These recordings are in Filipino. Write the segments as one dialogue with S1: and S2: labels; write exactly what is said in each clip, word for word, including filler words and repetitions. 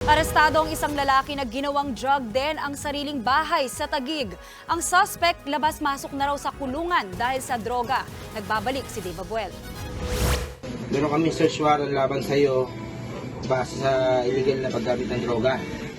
S1: Arestado ang isang lalaki na ginawang drug den ang sariling bahay sa Taguig. Ang suspect labas-masok na raw sa kulungan dahil sa droga. Nagbabalik si Dave Abuel.
S2: Meron kami search warrant laban sa iyo base sa illegal na paggamit ng droga.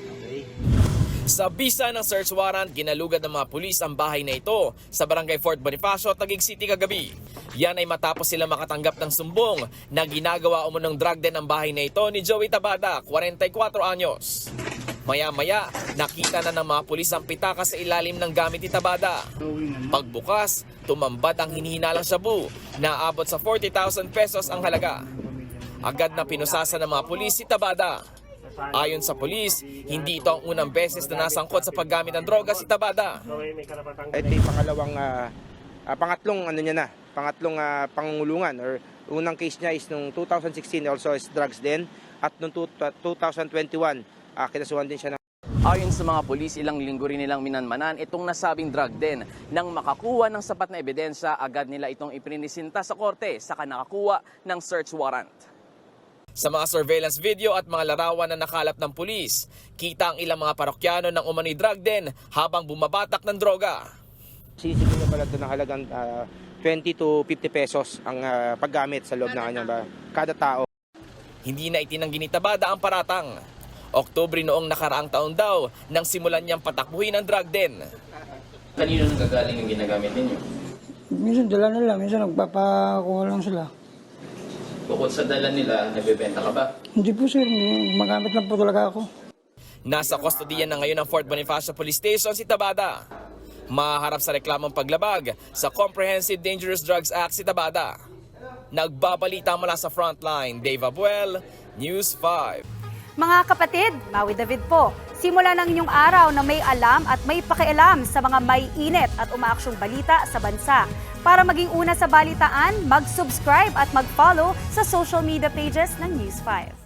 S3: Sa bisa ng search warrant, ginalugad ng mga pulis ang bahay na ito sa barangay Fort Bonifacio, Taguig City kagabi. Yan ay matapos sila makatanggap ng sumbong na ginagawa umunong drug den ang bahay na ito ni Joey Tabada, forty-four anyos. Maya-maya, nakita na ng mga pulis ang pitaka sa ilalim ng gamit ni Tabada. Pagbukas, tumambad ang hinihinalang shabu na abot sa forty thousand pesos ang halaga. Agad na pinusasa ng mga pulis si Tabada. Ayon sa pulis, hindi ito ang unang beses na nasangkot sa paggamit ng droga si Tabada.
S2: Ito yung pangalawang, uh, uh, pangatlong ano niya na, pangatlong uh, pangungulungan or unang case niya is nung two thousand sixteen also is drugs din at nung two thousand twenty-one uh, kinasuhan din siya ng.
S4: Ayon sa mga pulis, ilang linggo rin nilang minanmanan itong nasabing drug den. Nang makakuha ng sapat na ebidensya, agad nila itong iprinisinta sa korte saka nakakuha ng search warrant.
S3: Sa mga surveillance video at mga larawan na nakalap ng pulis, kita ang ilang mga parokyano ng umano'y drug den habang bumabatak ng droga.
S2: Sisigil pala ito ng halagang uh, twenty to fifty pesos ang uh, paggamit sa loob ng kanya ba, kada tao.
S3: Hindi na itinanggi ni Tabada ang paratang. Oktubre noong nakaraang taon daw nang simulan niyang patakbuhin ang drug den.
S4: Kanino nang gagaling ang ginagamit ninyo?
S5: Minsan dala nila, minsan nagpapakuha lang sila.
S4: Bukod sa dala nila, nagbebenta ka ba?
S5: Hindi po sir, magamit lang po talaga ako.
S3: Nasa kustodiyan na ngayon ng Fort Bonifacio Police Station si Tabada. Maharap sa reklamong paglabag sa Comprehensive Dangerous Drugs Act si Tabada. Nagbabalita mula sa frontline, Dave Abuel, News five.
S1: Mga kapatid, Maui David po. Simula ng inyong araw na may alam at may pakialam sa mga may init at umaaksyong balita sa bansa. Para maging una sa balitaan, mag-subscribe at mag-follow sa social media pages ng News five.